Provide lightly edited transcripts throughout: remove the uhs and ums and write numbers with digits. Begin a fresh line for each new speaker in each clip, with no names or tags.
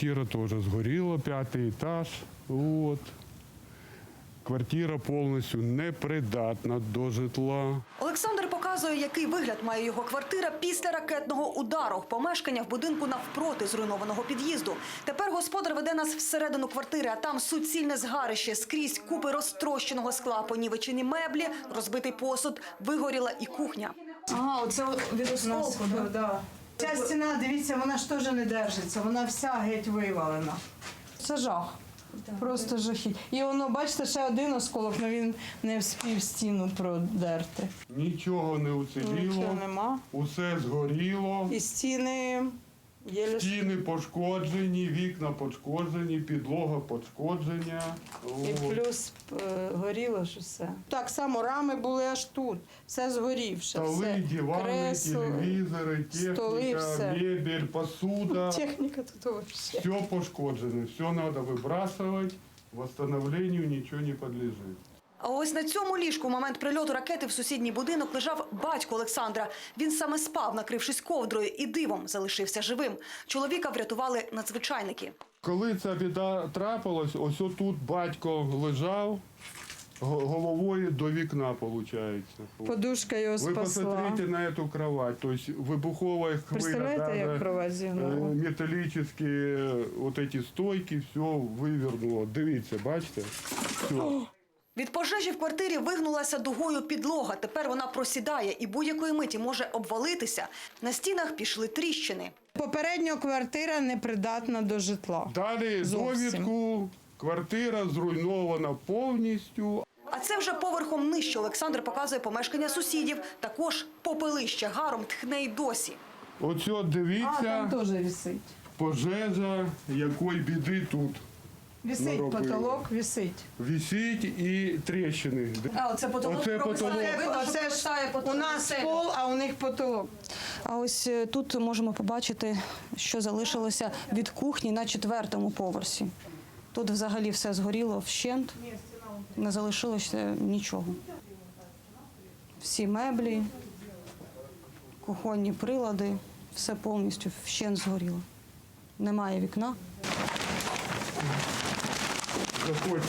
квартира теж згоріла, 5-й етаж. От. Квартира повністю непридатна до житла.
Олександр показує, який вигляд має його квартира після ракетного удару. Помешкання в будинку навпроти зруйнованого під'їзду. Тепер господар веде нас всередину квартири, а там суцільне згарище. Скрізь купи розтрощеного скла, понівечені меблі, розбитий посуд, вигоріла і кухня.
Ага, оце від осколку,
да. Ця стіна, дивіться, вона ж теж не держиться, вона вся геть вивалена. Це жах. Просто жахіть. І воно, бачите, ще один осколок, але він не вспів стіну продерти.
Нічого не уціліло,
Нічого нема.
усе згоріло.
І стіни єлі...
Стіни пошкоджені, вікна пошкоджені, підлога пошкоджена.
І плюс горіло ж усе. Так само рами були аж тут, все згорівше.
Столи,
все.
дивани,
Кресло,
телевізори,
столи,
техніка,
все.
мебель, посуда.
Техніка тут взагалі.
Все пошкоджено, все треба вибрасувати, восстановлению нічого не підлежить.
А ось на цьому ліжку в момент прильоту ракети в сусідній будинок лежав батько Олександра. Він саме спав, накрившись ковдрою, і дивом залишився живим. Чоловіка врятували надзвичайники.
Коли ця біда трапилась, ось отут батько лежав головою до вікна, виходить.
Подушка його
Ви
спасла.
посмотрите на эту кровать, то есть вибухова хвиля,
Представляєте, як кровать зігнула?
металічні вот эти стойки, все вивернуло. Дивіться, бачите? Все.
Від пожежі в квартирі вигнулася дугою підлога. Тепер вона просідає і будь-якої миті може обвалитися. На стінах пішли тріщини.
Попередньо квартира непридатна до житла.
Далі
Зовсім.
довідку, квартира зруйнована повністю.
А це вже поверхом нижче. Олександр показує помешкання сусідів. Також попелище гаром тхне й досі.
Оце дивіться,
теж висить.
пожежа, якої біди тут.
Висить
наробили.
потолок, висить.
Висить і тріщини.
А оце потолок.
Оце потолок.
Оце ж у нас пол, а у них потолок.
А ось тут можемо побачити, що залишилося від кухні на 4-му поверсі. Тут взагалі все згоріло вщент, не залишилося нічого. Всі меблі, кухонні прилади, все повністю вщент згоріло. Немає вікна.
Заходьте.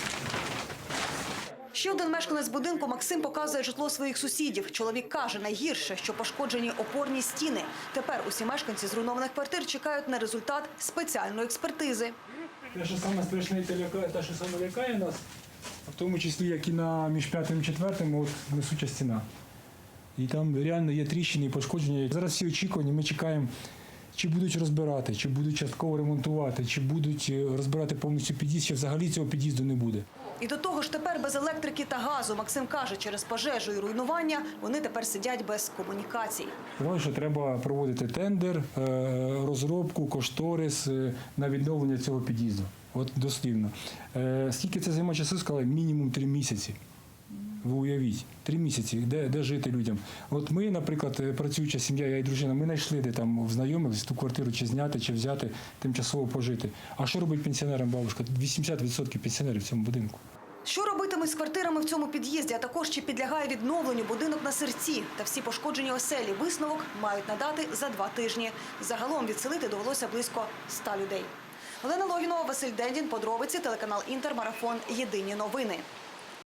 Ще один мешканець будинку Максим показує житло своїх сусідів. Чоловік каже, найгірше, що пошкоджені опорні стіни. Тепер усі мешканці зруйнованих квартир чекають на результат спеціальної експертизи.
Те, що саме страшне, те, що саме лякає нас, в тому числі, як і між 5-м і 4-м, от несуча стіна. І там реально є тріщини і пошкодження. Зараз всі очікування, ми чекаємо, чи будуть розбирати, чи будуть частково ремонтувати, чи будуть розбирати повністю під'їзд, чи взагалі цього під'їзду не буде.
І до того ж тепер без електрики та газу. Максим каже, через пожежу і руйнування вони тепер сидять без комунікацій.
Сказали, що треба проводити тендер, розробку, кошторис на відновлення цього під'їзду. От дослівно. Скільки це займає часу, сказали, мінімум 3 місяці. Ви уявіть, 3 місяці, де жити людям. От ми, наприклад, працююча сім'я, я і дружина, ми знайшли, де там знайомих ту квартиру чи зняти, чи взяти, тимчасово пожити. А що робить пенсіонерам бабушка? 80% пенсіонерів в цьому будинку.
Що робитимуть з квартирами в цьому під'їзді, а також чи підлягає відновленню будинок на Сирці та всі пошкоджені оселі, висновок мають надати за 2 тижні. Загалом відселити довелося близько 100 людей. Олена Логінова, Василь Дендін, подробиці, телеканал Інтер, марафон «Єдині новини».